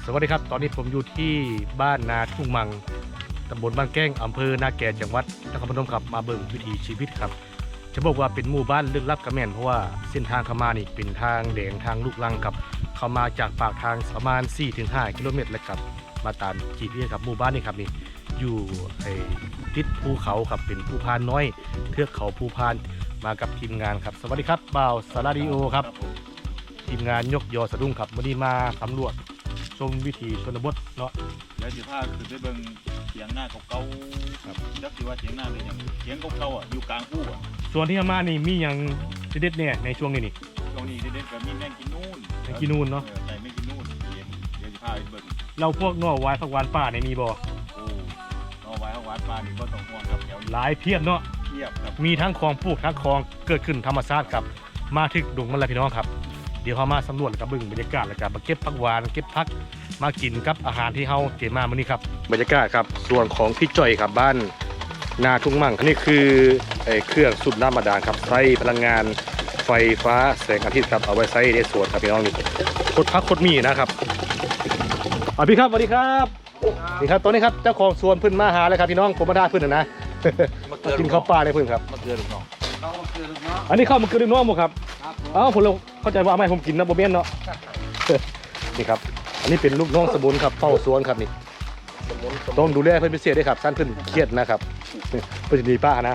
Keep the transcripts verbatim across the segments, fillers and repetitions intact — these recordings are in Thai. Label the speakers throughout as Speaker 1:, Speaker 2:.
Speaker 1: สวัสดีครับตอนนี้ผมอยู่ที่บ้านนาทุ่งมังตำบลบ้านแก้งอำเภอนาแก่จังหวัดนครพนมครับมาเบิ่งวิถีชีวิตครับจะบอกว่าเป็นหมู่บ้านลึกลับกระแม่นเพราะว่าเส้นทางเข้ามานี่เป็นทางแดงทางลูกลังครับเข้ามาจากปากทางประมาณ สี่ถึงห้า กิโลเมตรแล้วครับมาตาม จี พี เอส ครับหมู่บ้านนี่ครับนี่อยู่ไอ้ติดภูเขาครับเป็นภูพานน้อยเทือกเขาภูพานมากับทีมงานครับสวัสดีครับบ่าวสาราดิโอครับทีมงานยกยอสะดุ้งครับวันนี้มาสำรวจชมวิถีชนบทเนาะ
Speaker 2: แล้วสิพาคือไปเบิ่งเถียงหน้าเก่าๆครับจักสิว่าเถียงหน้าเป็นหยังเถียงเก่าๆอ่ะอยู่กลางผู้อ่ะ
Speaker 1: ส่วนที่มานี่มีอย่างเด็ดๆเนี่ยในช่วงนี้นี่
Speaker 2: ช่วงนี้เด็ดๆก็มีแมงกินนู่น
Speaker 1: แมงกินนูนเนาะ
Speaker 2: ออใช่แมงกินนู่นเดี๋ยวเดี๋ยวสิพาไปเบิ่ง
Speaker 1: เราพวกนอกวายผักหวานป่าในมีบ่
Speaker 2: โอ้เอาไว้เอาหวานปลานี่บ่ต้องห่วงครับแถวนี้
Speaker 1: หลายเพียบเนาะ
Speaker 2: เทียบครับ
Speaker 1: มีทั้งคลองปลูกทั้งคลองเกิดขึ้นธรรมชาติครับมาถึงดงมันแล้วพี่น้องครับเดี๋ยวเขามาสำรวจแล้วก็เบิ่งบรรยากาศแล้วก็มาเก็บผักหวานเก็บผักมากินกับอาหารที่เฮาเตรียมมามื้อนี้ครับบรรยากาศครับส่วนของพี่จ่อยครับบ้านนาทุ่งมั่งอันนี้คือไอ้เครื่องสูบน้ำบาดาลครับใช้พลังงานไฟฟ้าแสงอาทิตย์ครับเอาไว้ใช้ในสวนครับพี่น้องนี่คดพักคดมีนะครับอ่ะพี่ครับสวัสดีครับนี่ครับตอนนี้ครับเจ้าของสวนเพิ่นมาหาแล้วครับพี่น้องผมมาด่าเพิ่นนะนะ มากินข้าวปลาในเพิ่นครับ
Speaker 2: มะเขือลูกน้อง
Speaker 1: อันนี้ข้าวมันคือดินน้องบ่ครับอ้าวผมเลยเข้าใจว่าเอามาให้ผมกินนะบ่แม่นเนาะ นี่ครับอันนี้เป็นลูกน้องสมุนครับเฝ้าสวนครับนี่ต้องดูแลเพิ่นพิเศษด้วยครับท่านเพิ่นเครียดนะครับเพิ่นสิดีป้านะ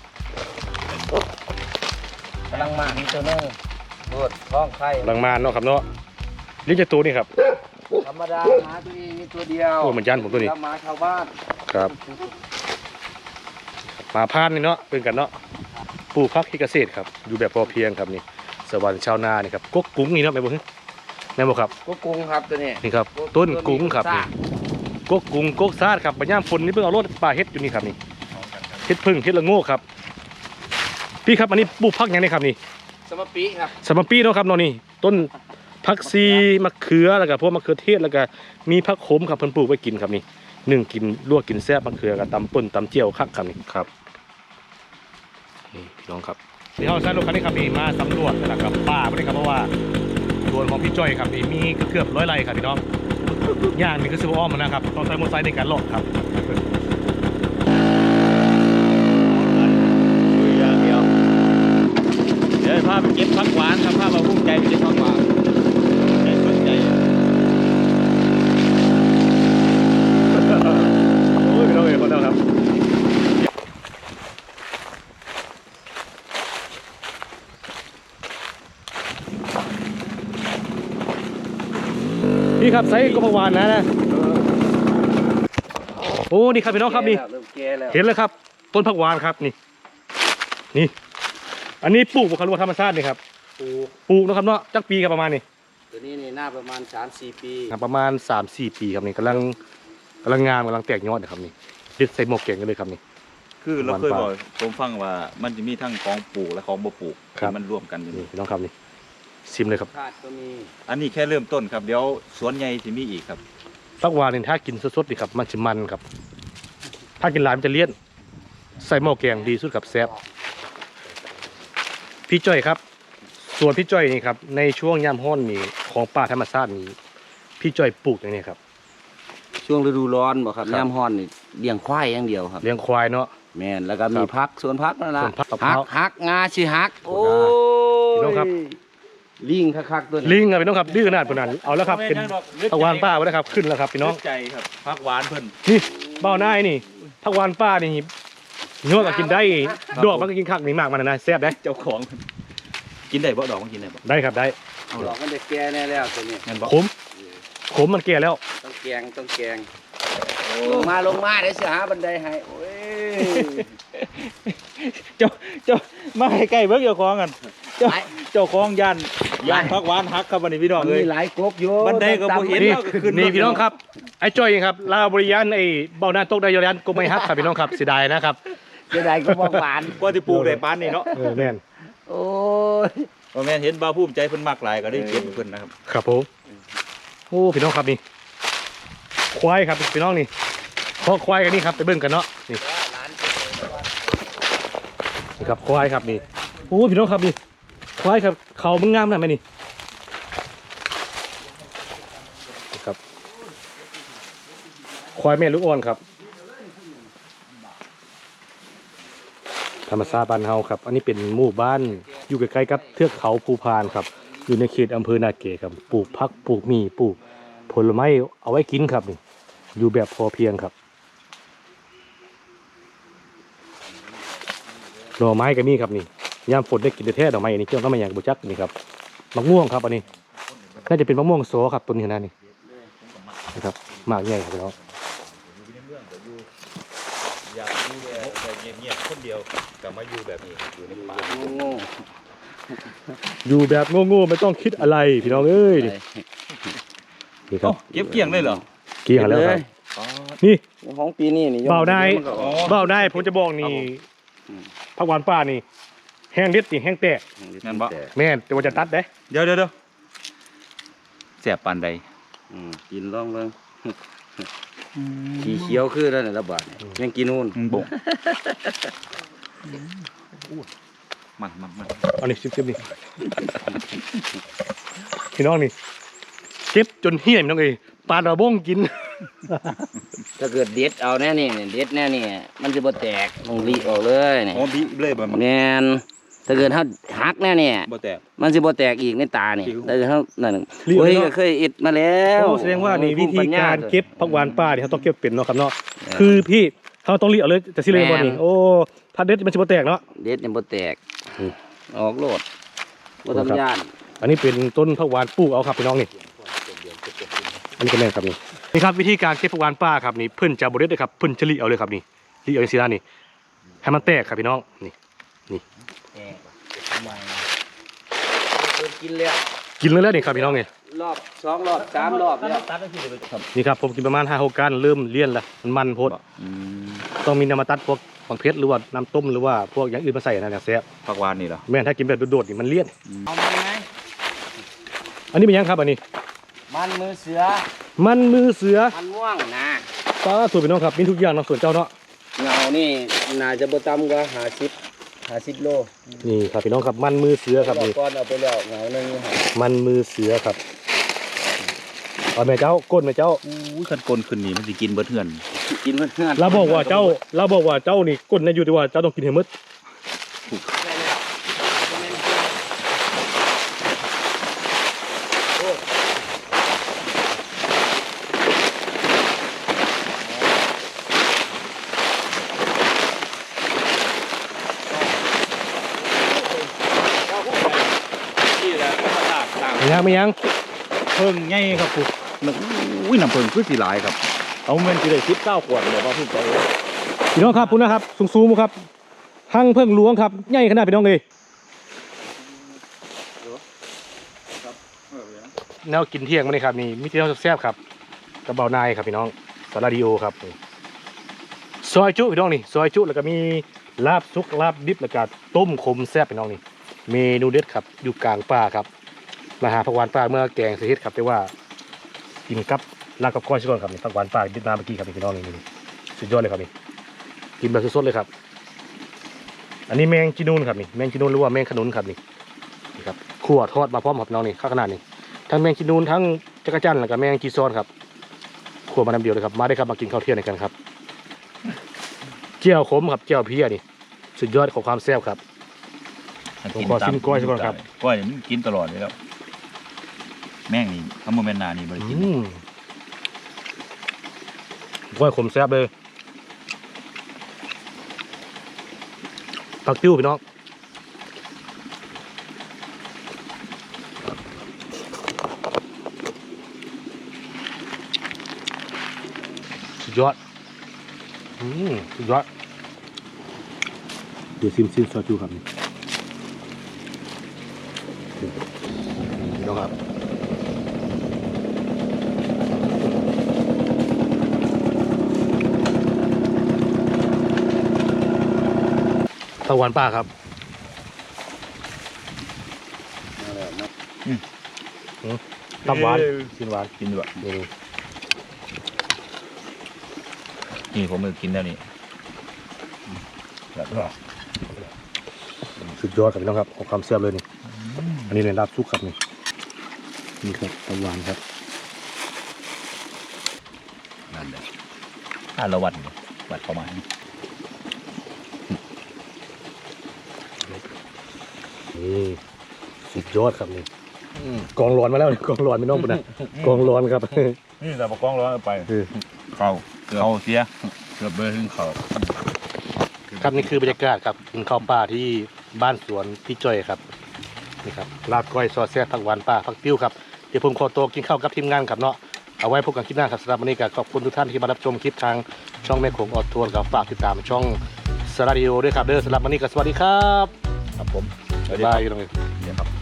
Speaker 3: กำลังมามีตัวนึงปวดท้องไข่
Speaker 1: กำลังมาเนาะครับเนาะเลี้ยงจากตัวนี่ครับ
Speaker 3: ธรรมดาหมาตัวนี้มีตัวเดียว
Speaker 1: โอ้เหมือนยันผมตัวนี้
Speaker 3: แล้วหมาชาวบ้าน
Speaker 1: ครับมาพานนี่เนาะเป็นกันเนาะปลูกผักที่เกษตรครับอยู่แบบพอเพียงครับนี่สวรรค์ชาวนานี่ครับกกกุ้งนี่เนาะแม่บ่ฮึแม่บ่ครับ
Speaker 3: ก็กรุงครับตัวนี้
Speaker 1: นี่ครับต้นกุ้งครับนี่กกกุ้งกกซาดครับบะย่ามฝนนี่เพิ่งเอารถป่าเฮ็ดอยู่นี่ครับนี่เฮ็ดพึ่งเฮ็ดละโง่ครับพี่ครับอันนี้ปลูกผักหยังไงครับนี่
Speaker 3: สมปีครับ
Speaker 1: สมปีเนาะครับเนาะนี่ต้นผักซีมะเขือแล้วก็พวกมะเขือเทศแล้วก็มีผักขมครับเพิ่นปลูกไว้กินครับนี่นึ่งกินลวกกินแซ่บมะเขือกับตำป่นตำเจียวคักครับนี่ครับนี่พี่น้องครับที่เฮาใช้รถคันนี้ครับนี่มาสำรวจนะครับป่าบ่ได้ครับเพราะว่าสวนของพี่จ้อยครับนี่มีเกือบร้อยไร่ครับพี่น้องย่างนี่คือสิบอ้อมนะครับต้องใช้มอเตอร์ไซค์ในการเลาะครับ
Speaker 2: คุยอย่างเดียวเดี๋ยวพาไปเก็บผักหวานครับพามาภูมิใจไปเก็บผักหวานใจสนใจ
Speaker 1: โอ้ยพี่น้องเอ๋คนเดียวครับนี่ครับไซส์ก็ประวานนะนะโอ้นี่ครับพี่น้องครับนี่
Speaker 3: เริ่มแก่แล้ว
Speaker 1: เห็นเลยครับต้นผักหวานครับนี่นี่อันนี้ปลูกบุคคลธรรมชาตินี่ครับ
Speaker 3: ปลูก
Speaker 1: ปลูกนะครับเนาะจักปีครับประมาณนี้
Speaker 3: ตัวนี้นี่หน้าประมาณ สามสี่ ปี
Speaker 1: ครับประมาณ สามสี่ ปีครับนี่กำลังกำลังงามกำลังแตกยอดนะครับนี่ดิดใส่หมวกเก่งกันเลยครับนี่
Speaker 2: คือเราเคย
Speaker 1: หวานป
Speaker 2: บ
Speaker 1: ลา
Speaker 2: อกผมฟังว่ามันจะมีทั้งของปลูกและของบ่ปลูก
Speaker 1: ครับ
Speaker 2: ที่มันร่วมกันอยู่
Speaker 1: นี่
Speaker 2: นี่
Speaker 1: พี่น้องครับนี่ซิมเลยครับ
Speaker 3: คาดก็มี
Speaker 2: อันนี้แค่เริ่มต้นครับเดี๋ยวสวนใหญ่สิมีอีกครับ
Speaker 1: ผักหวานนี่ถ้ากินสดๆดีครับมันจะมันครับถ้ากินหลายมันจะเลี่ยนใส่หม้อแกงดีสุดครับแซ่บพี่จ้อยครับส่วนพี่จ้อยนี่ครับในช่วงยามฮ้อนนี่ของป่าธรรมชาตินี่พี่จ้อยปลูกอย่างนี้ครับ
Speaker 3: ช่วงฤดูร้อนบ่ครับ
Speaker 1: ครับ
Speaker 3: น้ำฮ้อนนี่เลี้ยงควายอย่างเดียวครับ
Speaker 1: เลี้ยงควายเนาะ
Speaker 3: แม่นแล้วก็มี
Speaker 1: ครับ
Speaker 3: พักสวนพักนั่นล่ะ
Speaker 1: สวนผักมะพ
Speaker 3: หั
Speaker 1: ร้าก ว
Speaker 3: หักงาสิหัก โอ้
Speaker 1: พี่น้องครับ
Speaker 3: ลิงคักๆตัวนี้
Speaker 1: ลิงครับพี่น้องครับดื้อขนาดปานนั้นเอาแล้วครับเป็นผักหวานป้าไว้แล้วครับขึ้นแล้วครับพี่น้อง
Speaker 2: ใจครับผักหวานเพิ่น
Speaker 1: นี่เบ้าหน้านี่ผักหวานป้านี่เนื้อก็กินได้ดอกมันก็กินคักนี่มากมันนะแซ่บได้
Speaker 2: เจ้าของเพิ่นกินได้บ่ดอกมันกินได้บ่
Speaker 1: ได้ครับได้
Speaker 3: เอาดอกมันจะแก่แน่แล้วตัวนี้
Speaker 2: งั้นบ่
Speaker 1: ขมขมมันแก่แล้ว
Speaker 3: ต้องแกงต้องแกงลงมาลงมาเดี๋ยวสิหาบันไดให้โอ้ย
Speaker 2: เจ้าเจ้ามาให้ใกล้เบิ่งเจ้าของกันเจ้า
Speaker 3: หลาย
Speaker 2: เจ้าของยันยันผักหวานฮักครับวันนี้พี่น้อง
Speaker 3: มัน
Speaker 2: เอ้ย
Speaker 3: มีหลายกบอยู่
Speaker 2: บันไดก็บ่เห็น
Speaker 1: นี่
Speaker 2: แล้วก็ขึ้น
Speaker 1: นี่พี่น้องครับไอ้จ้อยครับลาวบริยานไอ้เบ้าหน้าตกได้ยอยันก็ไม่ฮักครับพี่น้องครับเสียดายนะครับ
Speaker 3: เจะได้ก็บ่หวาน
Speaker 2: กว่าที่ปลูกได้ปานนี้เนาะ
Speaker 1: เออแม่น
Speaker 3: โอ้ย
Speaker 2: บ่แม่นเห็นบ่าวภูมิใจเพิ่นมักหลายก็ได้เก็บให้เพิ่นนะครับ
Speaker 1: ครับผมโอ้พี่น้องครับนี่ควายครับพี่น้องนี่พอควายกันนี่ครับไปเบิ่งกันเนาะนี่นี่ครับควายครับนี่โอ้พี่น้องครับนี่ควายครับเขามึงงามนะแม่นี่นี่ครับควายแม่ลูกอ่อนครับธรรมชาติบ้านเฮาครับอันนี้เป็นหมู่บ้านอยู่ใกล้ๆกับเทือกเขาภูพานครับอยู่ในเขตอำเภอนาเกครับปลูกผักปลูกหมี่ปลูกผลไม้เอาไว้กินครับนี่อยู่แบบพอเพียงครับหน่อไม้ก็มีครับนี่ยามฝนได้กินแท้ๆหน่อไม้อันนี้เจ้าต้องมาอย่างบุจักนี่ครับมะม่วงครับอันนี้น่าจะเป็นมะม่วงโซครับต้นนี้นะนี่นะครับมากใหญ่ครับพี่น้อง
Speaker 2: อยากอยู่แบบเงียบๆคนเดียวกลับมาอยู่แบบนี้อยู่ในป่า
Speaker 3: โง่
Speaker 1: อยู่แบบโง่ๆไม่ต้องคิดอะไรพี่น้องเอ้ย
Speaker 3: ๆ
Speaker 1: นี่นี่ครับ
Speaker 2: เก็บเกี่ยงเลยเหรอ
Speaker 1: เกี่ยงแล้วครับนี่
Speaker 3: ของปีนี้นี่
Speaker 1: เบาได้
Speaker 3: มันก็ออก
Speaker 1: เบ้าได้ผมจะบอกนี่ผักหวานป่านี่แห้งเด็ดนี่แห้งแตก
Speaker 2: งั้นบ่
Speaker 1: แม่นแต่ว่าจะตัดเด้
Speaker 2: เดี๋ยวเดี๋ยวเดี๋ยวแสบปานใด
Speaker 3: อืมกินลองเบิ่งสีเขียวคือแล้วน่ะระบาดเนี่ยยังกินนู่น
Speaker 2: อืมบ่มันมันมัน
Speaker 1: เอานี่ซิมๆนี่พี่น้องนี่เก็บจนเหี้ยพี่น้องเอ้ยปลาดาวบ้งกิน
Speaker 3: ถ้าเกิดเด็ดเอาแน่นี่เด็ดแน่นี่มันจะบ่แตกต้องรีออกเลยนี่
Speaker 2: อ๋อบีเลยบ่มัน
Speaker 3: แม่นถ้าเกิดเฮาหักแน่นี่
Speaker 2: บ่แตก
Speaker 3: มันสิบ่แตกอีกในตานี่
Speaker 2: จริง
Speaker 3: แต่เฮานั่น
Speaker 1: รีออก
Speaker 3: โอ้ย
Speaker 1: เนาะ
Speaker 3: ก็เคยอิดมาแล้ว
Speaker 1: โอ้แสดงว่านี่วิธีการเก็บผักหวานป่านี่เขาต้องเก็บเป็นเนาะครับเนาะ
Speaker 3: เออ
Speaker 1: คือพี่เขาต้องรีเอาเลยจะสิเลยบ่นี่
Speaker 3: แม่น
Speaker 1: โอ้ถ้าเด็ดมันสิบ่แตกเนาะ
Speaker 3: เด็ดเนี่ยบ่แตก
Speaker 1: อืม
Speaker 3: ออกโลดบ่
Speaker 1: ครับ
Speaker 3: ทำยาน
Speaker 1: อันนี้เป็นต้นผักหวานปลูกเอาครับพี่น้องนี่อันนี้ก็แม่นครับนี่นี่ครับวิธีการเก็บผักหวานป่าครับนี่เพิ่นจะบ่เด็ดเลยครับเพิ่นจะรีเอาเลยครับนี่รีเอาจังซี่นะนี่ให้มันแตกครับพี่น้องนี่
Speaker 3: เพิ่นกินแล้ว
Speaker 1: กินเลยแล้วนี่ครับพี่น้องนี่
Speaker 3: รอบสองรอบสามรอบแล้ว
Speaker 1: นี่ครับผมกินประมาณห้าหกการเริ่มเลี่ยนแล้วมันมันโพด
Speaker 2: อืม
Speaker 1: ต้องมีน้ำมาตัดพวกบางเพชรหรือว่าน้ำต้มหรือว่าพวกอย่างอื่นมาใส่นะเนี่ยแซ่บ
Speaker 2: ผักหวานนี่เหรอ
Speaker 1: แม่นถ้ากินแบบโดดๆนี่มันเลี่ยน
Speaker 3: เอามันไหม
Speaker 1: อันนี้เป็นยังครับอันนี้
Speaker 3: มันมือเสือ
Speaker 1: มันมือเสือ
Speaker 3: มันม่วงนะ
Speaker 1: ปลาสวยพี่น้องครับมีทุกอย่างเนาะส่วนเจ้าเนาะ
Speaker 3: เงานี่น่าจะบ่ต่ำกว่าห้าสิบห้าสิบโล
Speaker 1: นี่ครับพี่น้องครับมันมือเสือครับ
Speaker 3: รอบ
Speaker 1: นี่
Speaker 3: ก่อนเอาไปแล้วเงาหนึงอยู่หั่น
Speaker 1: มันมือเสือครับเอาแม่เจ้าก้นแม่เจ้า
Speaker 2: อู้คันกลนขึ้นนี่มันสิกินเบิดเฮือน
Speaker 3: กินเพื่อนๆ
Speaker 1: เราบอกว่าเจ้าเราบอกว่าเจ้านี่ก้นนะอยู่ที่ว่าเจ้าต้องกินให้หมดไม่ยังไม่ยัง
Speaker 2: เพิ่งใหญ่ครับปุ๊นึกอุ้ยน้ำเพิ่งคือสิหลายครับ เอาเงินสิได้สิบเก้าขวดเลยว่าพูดไป
Speaker 1: พี่น้องครับพุ่นนะครับสูงๆครับหั่งเพิ่งหลวงครับใหญ่ขนาดพี่น้องเลยแนวกินเที่ยงมาเลยครับนี่มิตรเที่ยวแซ่บๆครับกระเบานายครับพี่น้องสาราดิโอครับซอยจุพี่น้องนี่ซอยจุแล้วก็มีลาบซุกลาบดิบแล้วก็ต้มขมแซ่บพี่น้องนี่เมนูเด็ดครับอยู่กลางป่าครับมาหาผักหวานป่าเมื่อแกงเสียเฮ็ดครับแต่ว่ากินกับลาบกับก้อยชิก่อนครับนี่ผักหวานป่าดิบมาเมื่อกี้ครับนี่พี่น้องนี่นี่สุดยอดเลยครับนี่กินแบบสดๆเลยครับอันนี้แมงจีนูนครับนี่แมงจีนูนหรือว่าแมงขนุนครับนี่นี่ครับขั่วทอดมาพร้อมครับพี่น้องนี่ข้าวขนาดนี้ทั้งแมงจีนูนทั้งจักรจั่นแล้วก็แมงจีซอนครับขั่วมาน้ำเดียวเลยครับมาได้ครับมากินข้าวเที่ยงกันครับเจียวขมครับเจียวเพี้ยนี่สุดยอดของความแซ่บครับ ผมขอซิมกล้วยซะก่อนครับ
Speaker 2: กล้วยนี่มันกินตลอดเลยแล้วแม่งนี่ทำโมเมนต์นานี่บ่ได้กิน
Speaker 1: อืมกล้วยขมแซ่บเลยผักติ้วพี่น้องสุดยอดอืมสุดยอดเดี๋ยวซิมซิมซอสจูครับนี่พี่น้องครับตะวันป่าครับ
Speaker 3: เอาแล้วเนาะ
Speaker 1: ตับหวานกินหวาน
Speaker 2: กินด้วย
Speaker 1: นี่
Speaker 2: นี่ผมก็กินแล้วนี่แล้วก็
Speaker 1: สุดยอดครับพี่น้องครับของความแซ่บเลยนี่อันนี้เลยลาบซุกครับนี่นี่ครับตับหวานครับ
Speaker 2: นั่นแหละถ้าเราวัดวัดประมาณ
Speaker 1: นี่สุดยอดครับนี่กองร้อนมาแล้วนี่กองร้อนไม่น้องปุ่นนะกองร้อนครับ
Speaker 2: นี่แต่ปกล้องร้อนไป
Speaker 1: เออ
Speaker 2: เขาเขาเสียเกือบเบอร์ถึงเขา
Speaker 1: ครับนี่คือบรรยากาศครับกินข้าวป่าที่บ้านสวนพี่จ้อยครับนี่ครับลาบก้อยซอสแซ่บผักหวานป่าผักติ้วครับเดี๋ยวผมขอตัวกินข้าวกับทีมงานครับเนาะเอาไว้พบกันคลิปหน้าครับสำหรับวันนี้ก็ขอบคุณทุกท่านที่มารับชมคลิปทางช่องแม่โขงออดทัวร์ครับฝากติดตามช่องสราดิโอด้วยครับเด้อสำหรับวันนี้ก็สวัสดีครับ
Speaker 2: ครับผม
Speaker 1: บ๊ายบายอยู่ตรงนี้
Speaker 2: เดี๋ยวครับ